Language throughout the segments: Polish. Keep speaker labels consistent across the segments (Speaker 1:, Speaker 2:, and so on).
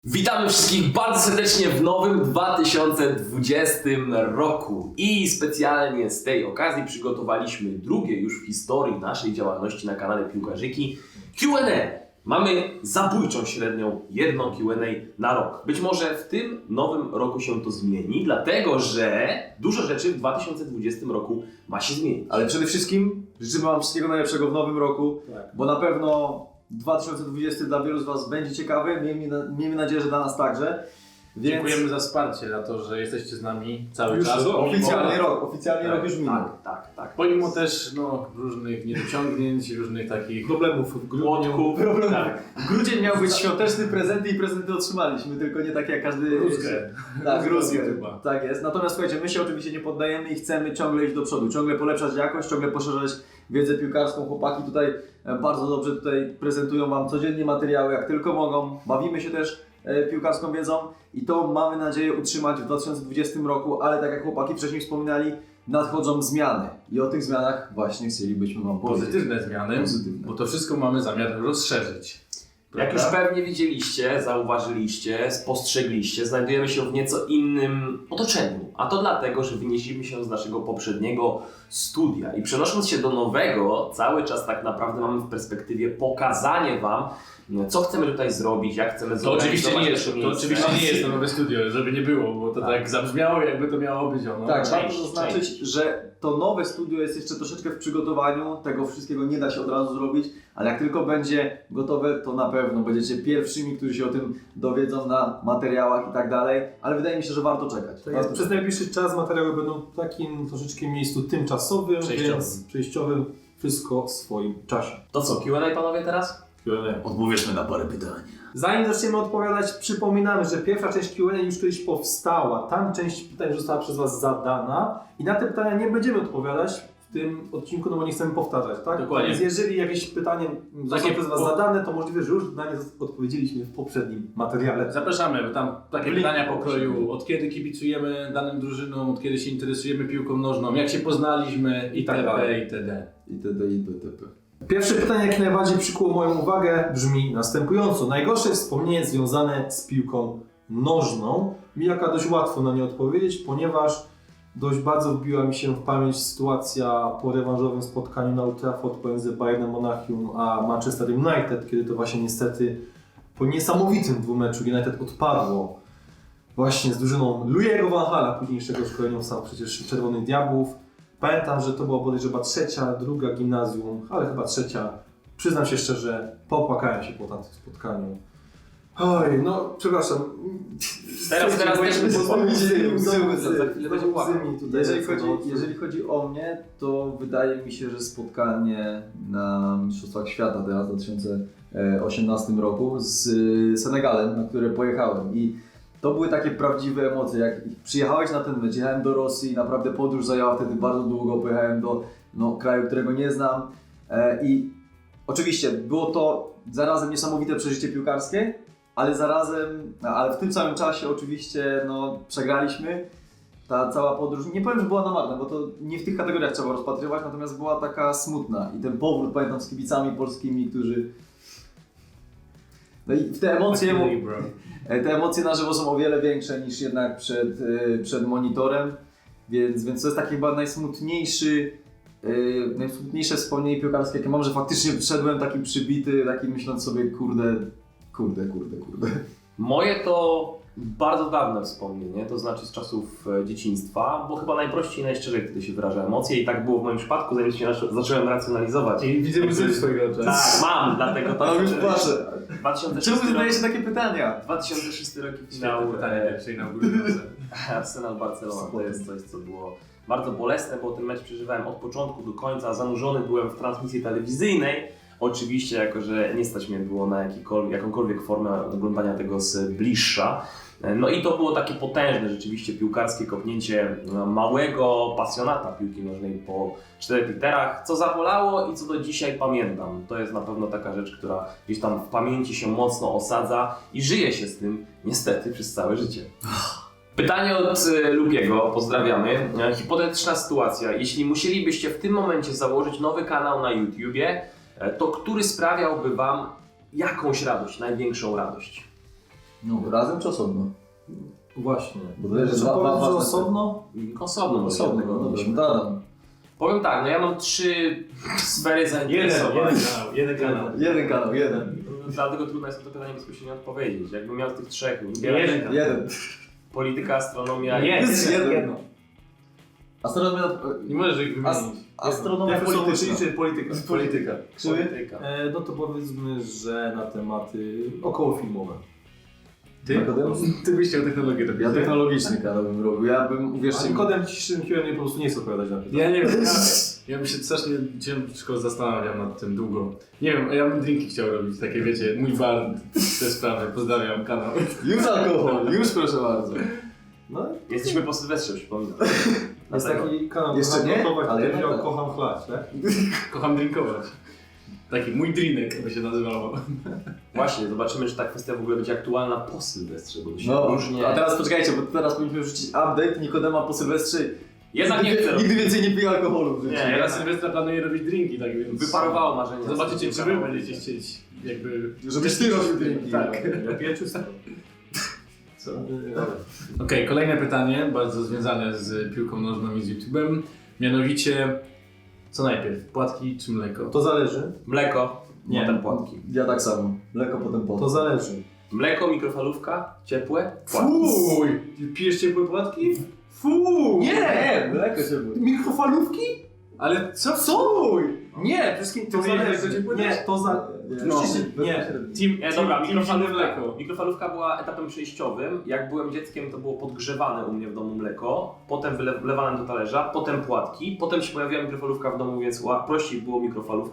Speaker 1: Witamy wszystkich bardzo serdecznie w nowym 2020 roku i specjalnie z tej okazji przygotowaliśmy drugie już w historii naszej działalności na kanale Piłkarzyki Q&A. Mamy zabójczą średnią jedną Q&A na rok. Być może w tym nowym roku się to zmieni, dlatego że dużo rzeczy w 2020 roku ma się zmienić.
Speaker 2: Ale przede wszystkim życzymy Wam wszystkiego najlepszego w nowym roku, bo na pewno 2020 dla wielu z Was będzie ciekawy, miejmy nadzieję, że dla nas także. Więc
Speaker 3: Dziękujemy za wsparcie, za to, że jesteście z nami cały
Speaker 2: już
Speaker 3: czas.
Speaker 2: oficjalnie rok już minął.
Speaker 1: Tak.
Speaker 3: Pomimo też różnych niedociągnięć, różnych takich
Speaker 1: Problemów w grudniu.
Speaker 3: Tak.
Speaker 2: Grudzień miał być świąteczny, prezenty i prezenty otrzymaliśmy, tylko nie tak jak każdy...
Speaker 3: Gruzkę.
Speaker 2: Tak, gruzkę.
Speaker 3: YouTube'a.
Speaker 2: Tak jest. Natomiast słuchajcie, my się oczywiście nie poddajemy i chcemy ciągle iść do przodu, ciągle polepszać jakość, ciągle poszerzać wiedzę piłkarską. Chłopaki tutaj bardzo dobrze prezentują Wam codziennie materiały, jak tylko mogą. Bawimy się też piłkarską wiedzą i to mamy nadzieję utrzymać w 2020 roku, ale tak jak chłopaki wcześniej wspominali, nadchodzą zmiany i o tych zmianach właśnie chcielibyśmy Wam powiedzieć.
Speaker 3: Pozytywne zmiany, bo to wszystko mamy zamiar rozszerzyć.
Speaker 1: Jak już pewnie widzieliście, zauważyliście, spostrzegliście, znajdujemy się w nieco innym otoczeniu. A to dlatego, że wynieśliśmy się z naszego poprzedniego studia i przenosząc się do nowego, cały czas tak naprawdę mamy w perspektywie pokazanie Wam, co chcemy tutaj zrobić, jak chcemy
Speaker 3: To oczywiście nie jest,
Speaker 1: nasze miejsce.
Speaker 3: to nowe studio, żeby nie było, bo to tak zabrzmiało, jakby to miało być ono.
Speaker 2: Tak, warto zaznaczyć, że to nowe studio jest jeszcze troszeczkę w przygotowaniu, tego wszystkiego nie da się od razu zrobić, ale jak tylko będzie gotowe, to na pewno będziecie pierwszymi, którzy się o tym dowiedzą na materiałach i tak dalej, ale wydaje mi się, że warto czekać.
Speaker 4: Tak jest, przez najbliższy czas materiały będą w takim troszeczkę miejscu tymczasowym, więc przejściowym, wszystko w swoim czasie.
Speaker 1: To co, Q&A panowie teraz?
Speaker 2: Odpowiedzmy na parę pytań.
Speaker 4: Zanim zaczniemy odpowiadać, przypominamy, że pierwsza część Q&A już kiedyś powstała. Tam część pytań została przez Was zadana i na te pytania nie będziemy odpowiadać w tym odcinku, no bo nie chcemy powtarzać, tak?
Speaker 3: Dokładnie.
Speaker 4: Więc jeżeli jakieś pytanie zostało przez Was zadane, to możliwe, że już na nie odpowiedzieliśmy w poprzednim materiale.
Speaker 3: Zapraszamy, bo tam takie pytania pokroju, od kiedy kibicujemy danym drużynom, od kiedy się interesujemy piłką nożną, jak się poznaliśmy itd. itd.
Speaker 2: itp.
Speaker 4: Pierwsze pytanie, jakie najbardziej przykuło moją uwagę, brzmi następująco. Najgorsze wspomnienie związane z piłką nożną. Mijaka dość łatwo na nie odpowiedzieć, ponieważ dość bardzo wbiła mi się w pamięć sytuacja po rewanżowym spotkaniu na Old Trafford pomiędzy Bayernem Monachium a Manchester United, kiedy to właśnie niestety po niesamowitym dwumeczu United odpadło właśnie z drużyną Louiego van Hala, późniejszego szkoleniowca przecież Czerwonych Diabłów. Pamiętam, że to była bodajże chyba trzecia, druga gimnazjum, ale chyba trzecia. Przyznam się szczerze, popłakałem się po tamtym spotkaniu. Oj, no przepraszam.
Speaker 1: Teraz też
Speaker 2: Jeżeli chodzi o mnie, to wydaje mi się, że spotkanie na Mistrzostwach Świata teraz w 2018 roku z Senegalem, na które pojechałem i to były takie prawdziwe emocje, jak przyjechałeś na ten mecz, jechałem do Rosji, naprawdę podróż zajęła wtedy bardzo długo, pojechałem do kraju, którego nie znam i oczywiście było to zarazem niesamowite przeżycie piłkarskie, ale w tym samym czasie oczywiście przegraliśmy. Ta cała podróż, nie powiem, że była na marne, bo to nie w tych kategoriach trzeba rozpatrywać, natomiast była taka smutna i ten powrót, pamiętam, z kibicami polskimi, którzy... No i te emocje na żywo są o wiele większe niż jednak przed monitorem, więc to jest takie chyba najsmutniejsze wspomnienie piłkarskie, jakie mam, że faktycznie wszedłem taki przybity, taki myśląc sobie kurde.
Speaker 1: Moje to bardzo dawne wspomnienie, to znaczy z czasów dzieciństwa, bo chyba najprościej i najszczerzej wtedy się wyraża emocje i tak było w moim przypadku, zanim się zacząłem racjonalizować.
Speaker 4: I widzę łzy w swoich oczach.
Speaker 1: Tak, mam, dlatego to
Speaker 2: już płaczę.
Speaker 1: 2006
Speaker 2: Czemu zadajesz takie pytania?
Speaker 1: 2006 rok i finał
Speaker 3: Pytanie pierwsze inaugurujące.
Speaker 1: Arsenal Barcelona, to jest coś, co było bardzo bolesne, bo ten mecz przeżywałem od początku do końca, zanurzony byłem w transmisji telewizyjnej. Oczywiście, jako że nie stać mnie było na jakąkolwiek formę oglądania tego z bliższa. No i to było takie potężne rzeczywiście piłkarskie kopnięcie małego pasjonata piłki nożnej po 4 literach, co zabolało i co do dzisiaj pamiętam. To jest na pewno taka rzecz, która gdzieś tam w pamięci się mocno osadza i żyje się z tym niestety przez całe życie. Pytanie od Lubiego, pozdrawiamy. Hipotetyczna sytuacja. Jeśli musielibyście w tym momencie założyć nowy kanał na YouTubie, to który sprawiałby Wam jakąś radość, największą radość?
Speaker 2: No, razem czy osobno?
Speaker 4: Właśnie.
Speaker 2: Bo to jest
Speaker 4: Że
Speaker 2: dwa
Speaker 4: powiedz, że
Speaker 2: ważne
Speaker 4: osobno?
Speaker 1: Osobno.
Speaker 2: Osobno, no dobrze, to Adam.
Speaker 1: Powiem tak, no ja mam 3 sfery zainteresowań.
Speaker 3: Jeden kanał.
Speaker 2: Jeden.
Speaker 1: Dlatego trudno jest na to pytanie bezpośrednio odpowiedzieć. Jakbym miał z tych 3
Speaker 2: Jeden.
Speaker 1: polityka, astronomia i...
Speaker 2: Jest jeden. Astronomia...
Speaker 3: Nie możesz ich wymienić.
Speaker 2: Astronomia
Speaker 4: Polityczna
Speaker 2: polityczna.
Speaker 4: czy polityka?
Speaker 2: Polityka.
Speaker 1: Polityka.
Speaker 4: No to powiedzmy, że na tematy okołofilmowe.
Speaker 3: Ty byś chciał technologię robić.
Speaker 2: Ja technologiczny kanał bym robił. Ja bym, uwierzcie
Speaker 4: A
Speaker 2: mi...
Speaker 4: kodem dzisiejszym Q&A po prostu nie chcę odpowiadać na pytanie.
Speaker 3: Ja nie wiem, ja bym się strasznie ciężko zastanawiam nad tym długo. Nie wiem, ja bym drinki chciał robić, takie wiecie, mój bar, te sprawy, pozdrawiam kanał.
Speaker 2: Już alkohol, już proszę bardzo.
Speaker 4: No,
Speaker 1: Jesteśmy po Sylwestrze, przypominam.
Speaker 4: jest taki kanał,
Speaker 2: Jeszcze
Speaker 4: kocham
Speaker 2: nie,
Speaker 4: gotować,
Speaker 2: ale
Speaker 4: który
Speaker 2: jednak
Speaker 4: wziął
Speaker 2: tak.
Speaker 4: kocham chlać, tak?
Speaker 3: Kocham drinkować. Taki mój drinek by się nazywało.
Speaker 1: Właśnie, zobaczymy, czy ta kwestia w ogóle będzie aktualna po Sylwestrze, bo to się
Speaker 2: No,
Speaker 1: różnie...
Speaker 2: a teraz poczekajcie, bo teraz powinniśmy wrzucić update Nikodema po Sylwestrze.
Speaker 1: Jednak nie chcę.
Speaker 2: Nigdy więcej nie pije alkoholu w życiu.
Speaker 1: Nie,
Speaker 3: Ja na Sylwestra planuję robić drinki, tak więc...
Speaker 1: Wyparowało marzenie.
Speaker 3: Zobaczycie, czy wy będziecie chcieć jakby...
Speaker 2: Żebyś ty robił drinki.
Speaker 3: Tak.
Speaker 4: Ja piję czysto.
Speaker 3: Co? Okej, kolejne pytanie, bardzo związane z piłką nożną i z YouTube'em. Mianowicie, co najpierw, płatki czy mleko?
Speaker 4: To zależy.
Speaker 1: Mleko,
Speaker 4: Nie.
Speaker 1: potem płatki.
Speaker 2: Ja tak samo. Mleko potem pot.
Speaker 4: To zależy.
Speaker 1: Mleko, mikrofalówka, ciepłe, płatki.
Speaker 4: Fuj! Pijesz ciepłe płatki? Fuj!
Speaker 2: Nie, mleko się mówi.
Speaker 4: Mikrofalówki?
Speaker 3: Ale co?
Speaker 4: Fuj! Nie, wszystkim to
Speaker 3: Ty wiesz,
Speaker 4: zależy.
Speaker 3: jak to ciepłe
Speaker 4: Nie,
Speaker 3: też?
Speaker 4: to za...
Speaker 2: No.
Speaker 4: Nie.
Speaker 1: Dobra,
Speaker 3: zimne
Speaker 1: mikrofalówka. Mikrofalówka była etapem przejściowym. Jak byłem dzieckiem, to było podgrzewane u mnie w domu mleko, potem wlewane do talerza, potem płatki, potem się pojawiła mikrofalówka w domu, więc prościej było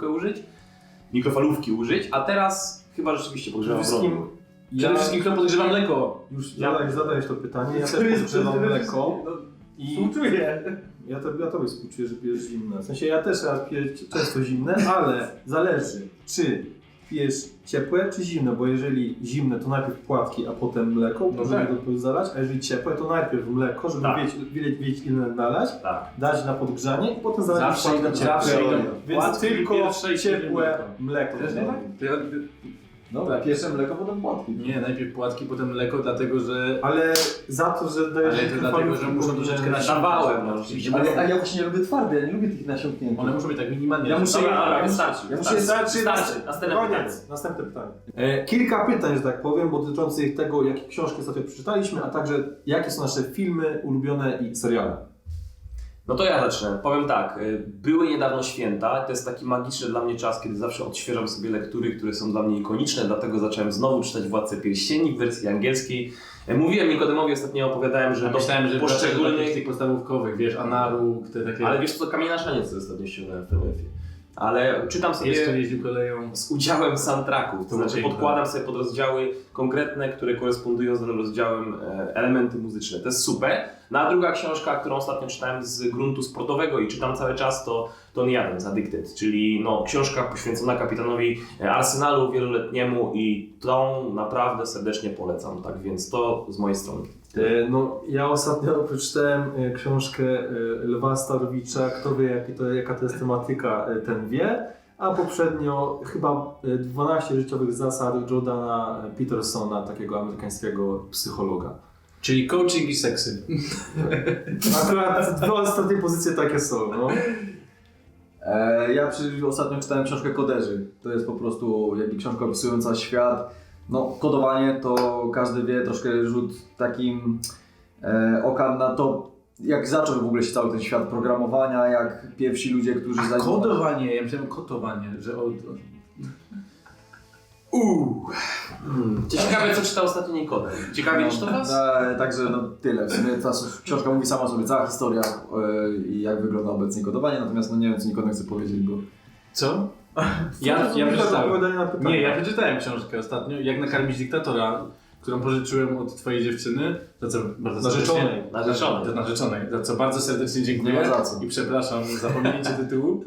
Speaker 1: mikrofalówki użyć, a teraz chyba rzeczywiście podgrzewam
Speaker 4: Wszystkim...
Speaker 1: prąd.
Speaker 3: Przede wszystkim kto podgrzewa mleko?
Speaker 4: Już zadajesz to pytanie. Ja też podgrzewam mleko. I
Speaker 3: Współczuję.
Speaker 4: ja tobie współczuję, że pijesz zimne. W sensie ja też piję często zimne, ale zależy, czy pijesz ciepłe czy zimne, bo jeżeli zimne, to najpierw płatki, a potem mleko,
Speaker 3: No
Speaker 4: żeby
Speaker 3: tak.
Speaker 4: to zalać, a jeżeli ciepłe, to najpierw mleko, żeby
Speaker 1: Tak.
Speaker 4: wiedzieć ile nalać,
Speaker 1: Tak.
Speaker 4: dać na podgrzanie i potem zalać
Speaker 3: Zawsze
Speaker 4: płatki
Speaker 3: idą-
Speaker 4: ciepłe.
Speaker 3: zawsze idą
Speaker 4: Więc
Speaker 3: płatki
Speaker 4: tylko
Speaker 3: pierwsze i
Speaker 4: ciepłe
Speaker 3: mleko.
Speaker 4: mleko.
Speaker 3: Też nie tak? To ja,
Speaker 2: Dobra, pierwsze mleko, potem płatki.
Speaker 3: nie, najpierw płatki, potem mleko, dlatego że...
Speaker 4: Ale za to, że dajesz
Speaker 3: Ale to dlatego, że muszą troszeczkę nasiąknąć.
Speaker 1: Dawałem, no rzeczywiście.
Speaker 2: Ale a ja właśnie nie lubię twarde, ja nie lubię tych nasiąkniętych.
Speaker 3: One muszą być tak minimalnie.
Speaker 2: Ja muszę-
Speaker 1: Dobra, wystarczy.
Speaker 2: Ja muszę
Speaker 1: Wystarczy. Następne pytanie.
Speaker 4: Koniec. Następne pytanie. Kilka pytań, że tak powiem, dotyczących tego, jakie książki ostatnio przeczytaliśmy, a także jakie są nasze filmy ulubione i seriale.
Speaker 1: No to ja zacznę. Powiem tak, były niedawno święta, to jest taki magiczny dla mnie czas, kiedy zawsze odświeżam sobie lektury, które są dla mnie ikoniczne, dlatego zacząłem znowu czytać Władcę Pierścieni w wersji angielskiej. Mówiłem Nikodemowi, ostatnio opowiadałem, że
Speaker 3: Myślałem, że poszczególnych
Speaker 1: poszczególnych...
Speaker 3: tych podstawówkowych, wiesz, Anaruk, te takie...
Speaker 1: Ale wiesz co, Kamień na szaniec, co ostatnio ściągnąłem w TWF-ie. Ale czytam sobie
Speaker 3: Jeszcze jeździł koleją.
Speaker 1: z udziałem soundtracków, to
Speaker 3: To
Speaker 1: znaczy
Speaker 3: piękne.
Speaker 1: podkładam sobie pod rozdziały konkretne, które korespondują z danym rozdziałem elementy muzyczne. To jest super. No a druga książka, którą ostatnio czytałem z gruntu sportowego i czytam cały czas, to Tony Adams, Addicted, czyli no, książka poświęcona kapitanowi Arsenalu wieloletniemu i tą naprawdę serdecznie polecam, tak więc to z mojej strony.
Speaker 4: No, ja ostatnio przeczytałem książkę Lwa Starowicza, kto wie jaka to jest tematyka, ten wie, a poprzednio chyba 12 życiowych zasad Jordana Petersona, takiego amerykańskiego psychologa.
Speaker 3: Czyli coaching i seksy.
Speaker 4: Akurat dwie ostatnie pozycje takie są, no.
Speaker 2: Ja ostatnio czytałem książkę Koderzy. To jest po prostu jakby książka opisująca świat. No, kodowanie to każdy wie, troszkę rzut takim oka na to, jak zaczął w ogóle się cały ten świat programowania, jak pierwsi ludzie, którzy
Speaker 3: Kodowanie, ja myślałem kotowanie, że
Speaker 1: Ciekawe, co czytał ostatnio Nikodem. Ciekawie niż to was?
Speaker 2: Także no tyle. W sumie ta książka mówi sama sobie, cała historia i jak wygląda obecnie kodowanie, natomiast no nie wiem, co Nikodem chce powiedzieć, bo...
Speaker 3: Co? Ja
Speaker 4: Odpowiadanie
Speaker 3: przeczytałem.
Speaker 4: na pytanie.
Speaker 3: Nie, ja przeczytałem książkę ostatnio, Jak nakarmić dyktatora, którą pożyczyłem od twojej dziewczyny, za co bardzo serdecznie... Narzeczonej, za co bardzo serdecznie dziękuję.
Speaker 2: Nie ma za co.
Speaker 3: I przepraszam za pominięcie tytułu.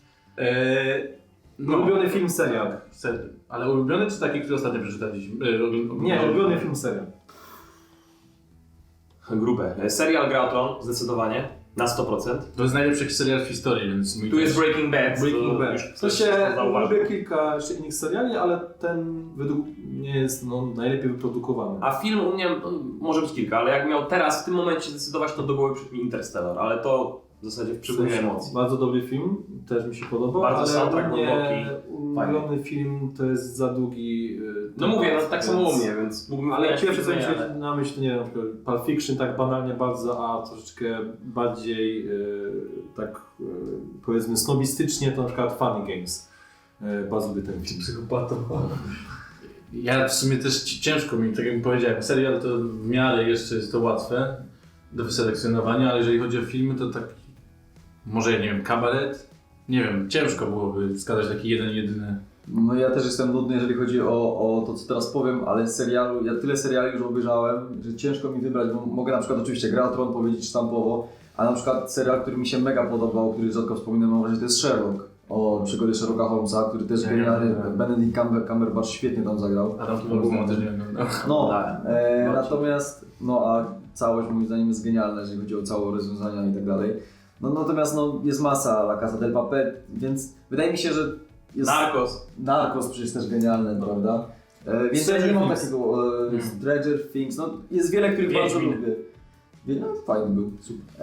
Speaker 4: Ulubiony film, serial.
Speaker 3: Ale ulubiony czy taki, który ostatnio przeczytaliśmy?
Speaker 4: Nie, ulubiony film, serial.
Speaker 1: Grube. Serial Gra o Tron, zdecydowanie. Na 100%.
Speaker 3: To jest najlepszy serial w historii, więc mój
Speaker 1: Tu jest
Speaker 3: też.
Speaker 1: Breaking Bad.
Speaker 4: Breaking
Speaker 1: to
Speaker 4: Bad.
Speaker 1: już
Speaker 4: W sensie
Speaker 1: ktoś zauważył.
Speaker 4: lubię kilka jeszcze innych seriali, ale ten według mnie jest najlepiej wyprodukowany.
Speaker 1: A film u mnie, może być kilka, ale jak miał teraz w tym momencie zdecydować, to do głowy przyszedł mi Interstellar, ale to w zasadzie w przypływie emocji.
Speaker 4: Bardzo dobry film, też mi się podobał,
Speaker 1: Bardzo
Speaker 4: ale
Speaker 1: soundtrack
Speaker 4: u mnie
Speaker 1: głęboki.
Speaker 4: ulubiony film to jest za długi
Speaker 1: No mówię, no tak samo u mnie, więc mógłbym
Speaker 4: Ale
Speaker 1: wymieniać
Speaker 4: pierwsze co mi
Speaker 1: filmy,
Speaker 4: się na myśl, nie wiem, na przykład Pulp Fiction tak banalnie bardzo, a troszeczkę bardziej tak powiedzmy snobistycznie to na przykład Funny Games. Bardzo lubię ten film.
Speaker 3: Psychopatą. Ja w sumie też ciężko mi, tak jak powiedziałem, serial to w miarę jeszcze jest to łatwe do wyselekcjonowania, ale jeżeli chodzi o filmy, to tak może, nie wiem, Kabaret? Nie wiem, ciężko byłoby wskazać taki jeden, jedyny.
Speaker 2: No ja też jestem nudny, jeżeli chodzi o to, co teraz powiem, ale serialu, ja tyle seriali już obejrzałem, że ciężko mi wybrać, bo mogę na przykład oczywiście Gra o Tron powiedzieć sztampowo, a na przykład serial, który mi się mega podobał, który rzadko wspominam, mam wrażenie, to jest Sherlock. O przygody Sherlocka Holmesa, który też genialnie, Benedict Cumberbatch świetnie tam zagrał.
Speaker 3: Adam Kimball też nie oglądał.
Speaker 2: No,
Speaker 1: Tak.
Speaker 2: natomiast, no a całość moim zdaniem jest genialna, jeżeli chodzi o całe rozwiązania i tak dalej. No natomiast jest masa La Casa del Papel, więc wydaje mi się, że jest... Narcos przecież też genialne, prawda? Więc ja nie mam takiego Stranger Things, no jest wiele, których bardzo lubię. No, fajny był.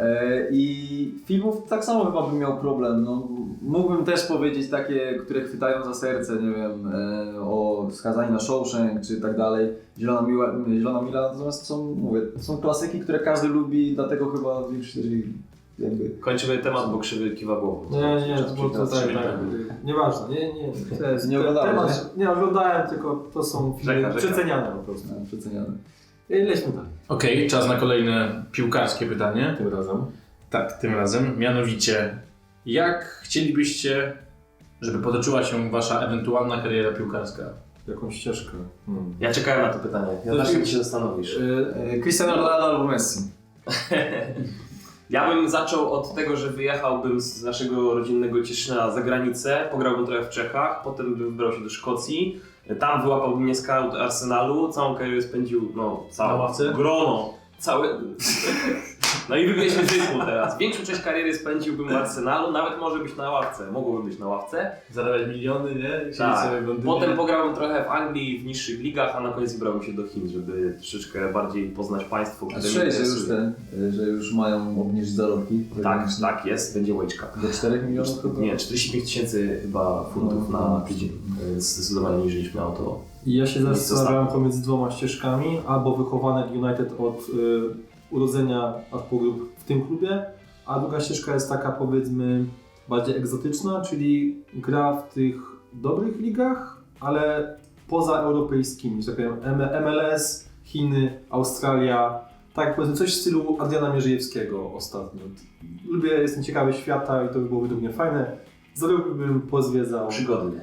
Speaker 2: I filmów tak samo chyba bym miał problem. No, mógłbym też powiedzieć takie, które chwytają za serce, nie wiem, o Skazani na Shawshank czy tak dalej. Zielona Mila, natomiast są klasyki, które każdy lubi, dlatego chyba większość jakby...
Speaker 1: Kończymy temat, bo krzywy kiwa głową.
Speaker 4: Nie, bo to tak, nieważne,
Speaker 2: Nie oglądałem,
Speaker 4: nie oglądałem, tylko to są filmy
Speaker 1: Rzeka.
Speaker 4: przeceniane po prostu.
Speaker 2: Przeceniane.
Speaker 4: Lećmy dalej.
Speaker 3: Okej, czas na kolejne piłkarskie pytanie.
Speaker 4: Tym razem.
Speaker 3: Tak, tym razem. Mianowicie, jak chcielibyście, żeby potoczyła się wasza ewentualna kariera piłkarska?
Speaker 4: Jakąś ścieżkę.
Speaker 1: Ja czekałem na to pytanie. Ja
Speaker 4: To
Speaker 1: zawsze
Speaker 4: ci-
Speaker 1: mi się zastanowisz.
Speaker 2: Cristiano Ronaldo albo Messi.
Speaker 1: Ja bym zaczął od tego, że wyjechałbym z naszego rodzinnego Cieszyna za granicę, pograłbym trochę w Czechach, potem bym wybrał się do Szkocji. Tam wyłapałbym mnie scout Arsenalu, całą karierę spędził,
Speaker 3: Na ławce?
Speaker 1: grono, całe... No i wybierzmy rytmu teraz. Większą część kariery spędziłbym w Arsenalu, nawet może być na ławce, mogłoby być na ławce.
Speaker 3: Zarabiać miliony, nie?
Speaker 1: Tak. Potem pograłem trochę w Anglii, w niższych ligach, a na koniec wybrałem się do Chin, żeby troszeczkę bardziej poznać państwo,
Speaker 2: A
Speaker 1: które mnie
Speaker 2: słyszałeś,
Speaker 1: interesuje.
Speaker 2: że już mają obniżyć zarobki?
Speaker 1: Tak jest, będzie łyczka.
Speaker 2: Do 4 milionów chyba?
Speaker 1: Nie, 45 tysięcy chyba funtów na tydzień. Zdecydowanie niżej niż miało to.
Speaker 4: I ja się zastanawiałem pomiędzy dwoma ścieżkami, albo wychowanek United od urodzenia aż po grób w tym klubie, a druga ścieżka jest taka powiedzmy bardziej egzotyczna, czyli gra w tych dobrych ligach, ale pozaeuropejskimi, że tak powiem MLS, Chiny, Australia, tak powiedzmy coś w stylu Adriana Mierzejewskiego ostatnio. Jestem ciekawy świata i to by było według mnie fajne. Zrobiłbym, pozwiedzał.
Speaker 1: Przygodnie.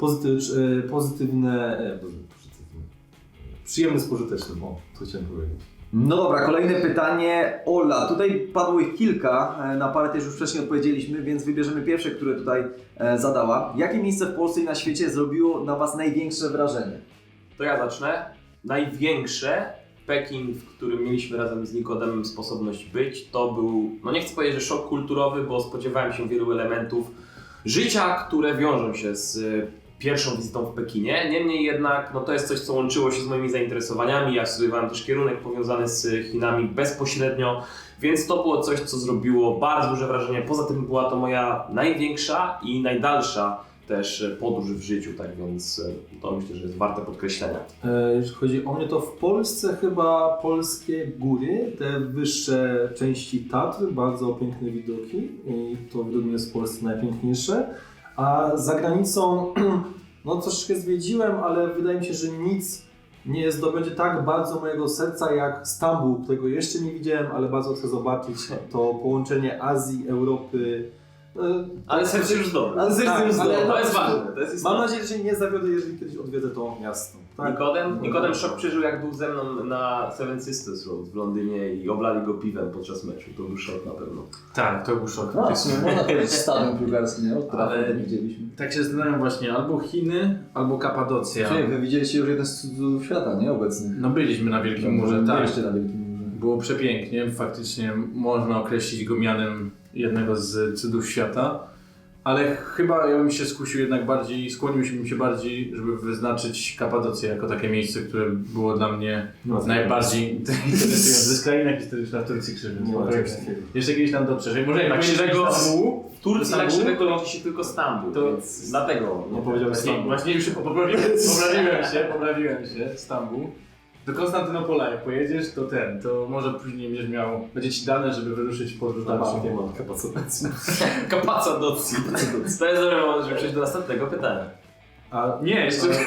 Speaker 4: Przyjemny z pożytecznym, to chciałem powiedzieć.
Speaker 2: No dobra, kolejne pytanie. Ola, tutaj padło ich kilka, na parę też już wcześniej odpowiedzieliśmy, więc wybierzemy pierwsze, które tutaj zadała. Jakie miejsce w Polsce i na świecie zrobiło na Was największe wrażenie?
Speaker 1: To ja zacznę. Największe Pekin, w którym mieliśmy razem z Nikodemem sposobność być, to był, no nie chcę powiedzieć, że szok kulturowy, bo spodziewałem się wielu elementów życia, które wiążą się z pierwszą wizytą w Pekinie. Niemniej jednak, no to jest coś, co łączyło się z moimi zainteresowaniami. Ja studiowałem też kierunek powiązany z Chinami bezpośrednio, więc to było coś, co zrobiło bardzo duże wrażenie. Poza tym była to moja największa i najdalsza też podróż w życiu, tak więc to myślę, że jest warte podkreślenia.
Speaker 4: Jeśli chodzi o mnie, to w Polsce chyba polskie góry, te wyższe części Tatr, bardzo piękne widoki i to według mnie jest w Polsce najpiękniejsze. A za granicą, no troszeczkę zwiedziłem, ale wydaje mi się, że nic nie zdobędzie tak bardzo mojego serca jak Stambuł, którego jeszcze nie widziałem, ale bardzo chcę zobaczyć to połączenie Azji, Europy.
Speaker 1: Ale serce już dobre.
Speaker 4: Ale serce już dobre.
Speaker 1: To jest ważne. To jest
Speaker 4: Mam
Speaker 1: istotne.
Speaker 4: nadzieję, że się nie zawiodę, jeżeli kiedyś odwiedzę to miasto. Tak?
Speaker 1: Nikodem szok przeżył, jak był ze mną na Seven Sisters Road w Londynie i oblali go piwem podczas meczu. To był szok na pewno.
Speaker 3: Tak, to był szok.
Speaker 2: No, w sumie można powiedzieć stadion piłkarski, nie? Od
Speaker 3: Ale-
Speaker 2: trafy widzieliśmy.
Speaker 3: Tak się zastanawiam właśnie, albo Chiny, albo Kapadocja.
Speaker 2: Czyli wy widzieliście już jeden z cudów świata, nie? Obecnych.
Speaker 3: No byliśmy na Wielkim Murze, tak.
Speaker 2: Byliście na Wielkim Murze.
Speaker 3: było przepięknie, faktycznie można określić go mianem jednego z cudów świata, ale chyba ja bym się skusił jednak bardziej, skłoniłbym się bardziej, żeby wyznaczyć Kapadocję jako takie miejsce, które było dla mnie najbardziej interesujące. To jest kraina historyczna w Turcji Krzywy. Jeszcze kiedyś tam dotrzesz. Może
Speaker 1: Tak
Speaker 3: jak
Speaker 1: krzywego
Speaker 3: pojedziesz do Stambułu,
Speaker 1: w Turcji
Speaker 3: Stambułu?
Speaker 1: tak krzywego lądzi się tylko Stambuł,
Speaker 3: To-
Speaker 1: więc dlatego
Speaker 4: Nie powiedziałem Stambuł.
Speaker 3: Właśnie już poprawiłem się, Stambuł. Do Konstantynopola jak pojedziesz, to może później będzie ci dane, żeby wyruszyć w podróż dalszą.
Speaker 4: Nie ma kapacytacji.
Speaker 1: Kapadocji. To jest dobry moment, żeby przejść do następnego pytania.
Speaker 4: A
Speaker 3: Nie, jeszcze
Speaker 2: Nie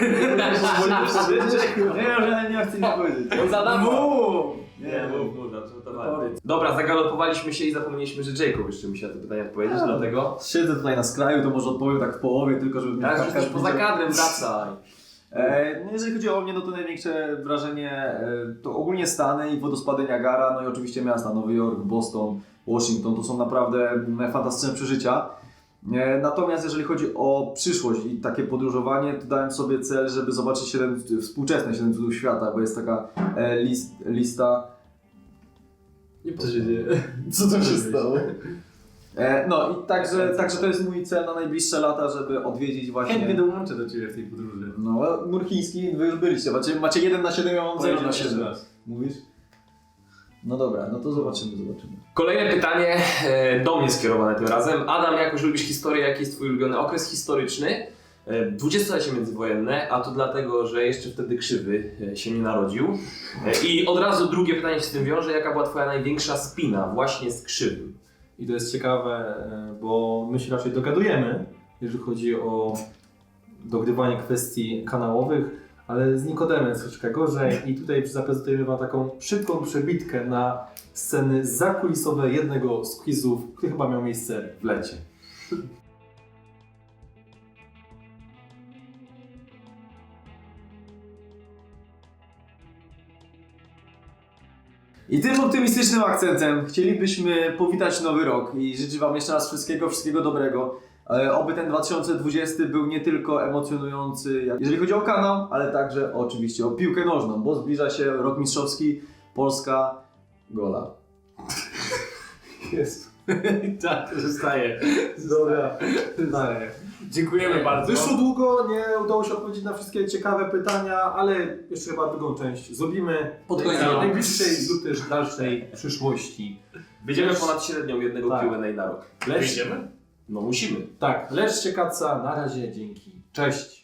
Speaker 2: chcę nic powiedzieć.
Speaker 1: On zadawał.
Speaker 2: Nie,
Speaker 1: mów, Dobra, zagalopowaliśmy się i zapomnieliśmy, że Jacob jeszcze musi na to pytanie odpowiedzieć, dlatego...
Speaker 2: Siedzę tutaj na skraju, to może odpowiem tak w połowie, tylko żeby mnie
Speaker 1: Tak, że też poza kadrem wracaj.
Speaker 2: No jeżeli chodzi o mnie, no to największe wrażenie to ogólnie Stany i wodospady Niagara, no i oczywiście miasta Nowy Jork, Boston, Washington, to są naprawdę fantastyczne przeżycia. Natomiast jeżeli chodzi o przyszłość i takie podróżowanie, to dałem sobie cel, żeby zobaczyć współczesne 7 cudów świata, bo jest taka lista.
Speaker 3: Co się dzieje?
Speaker 2: Co to się stało? No i także to jest mój cel na najbliższe lata, żeby odwiedzić właśnie...
Speaker 3: Chętnie dołączę do Ciebie w tej podróży.
Speaker 2: No, mur chiński, wy już byliście, macie 1 na 7, ja mam 0 na 7. Mówisz? No dobra, no to zobaczymy.
Speaker 1: Kolejne pytanie do mnie skierowane tym razem. Adam, jak już lubisz historię, jaki jest Twój ulubiony okres historyczny? Dwudziestolecie międzywojenne, a to dlatego, że jeszcze wtedy Krzywy się nie narodził. I od razu drugie pytanie się z tym wiąże. Jaka była Twoja największa spina właśnie z Krzywym?
Speaker 4: I to jest ciekawe, bo my się raczej dogadujemy, jeżeli chodzi o dogrywanie kwestii kanałowych, ale z Nikodemem jest troszeczkę gorzej i tutaj zaprezentujemy Wam taką szybką przebitkę na sceny zakulisowe jednego z quizów, który chyba miał miejsce w lecie.
Speaker 2: I tym optymistycznym akcentem chcielibyśmy powitać nowy rok i życzę Wam jeszcze raz wszystkiego dobrego. Oby ten 2020 był nie tylko emocjonujący, jeżeli chodzi o kanał, ale także oczywiście o piłkę nożną, bo zbliża się rok mistrzowski, Polska, gola.
Speaker 3: Jest. Tak, to zostaje. Dobra. Zostaje. Dziękujemy bardzo.
Speaker 4: Wyszło długo, nie udało się odpowiedzieć na wszystkie ciekawe pytania, ale jeszcze chyba drugą część zrobimy
Speaker 1: Pod
Speaker 4: w
Speaker 1: koniec.
Speaker 4: najbliższej lub też dalszej przyszłości.
Speaker 1: Wyjdziemy ponad średnią jednego
Speaker 4: Tak.
Speaker 1: Q&A na rok.
Speaker 3: Wyjdziemy?
Speaker 1: No musimy.
Speaker 4: Tak, leszcie kaca, na razie, dzięki. Cześć.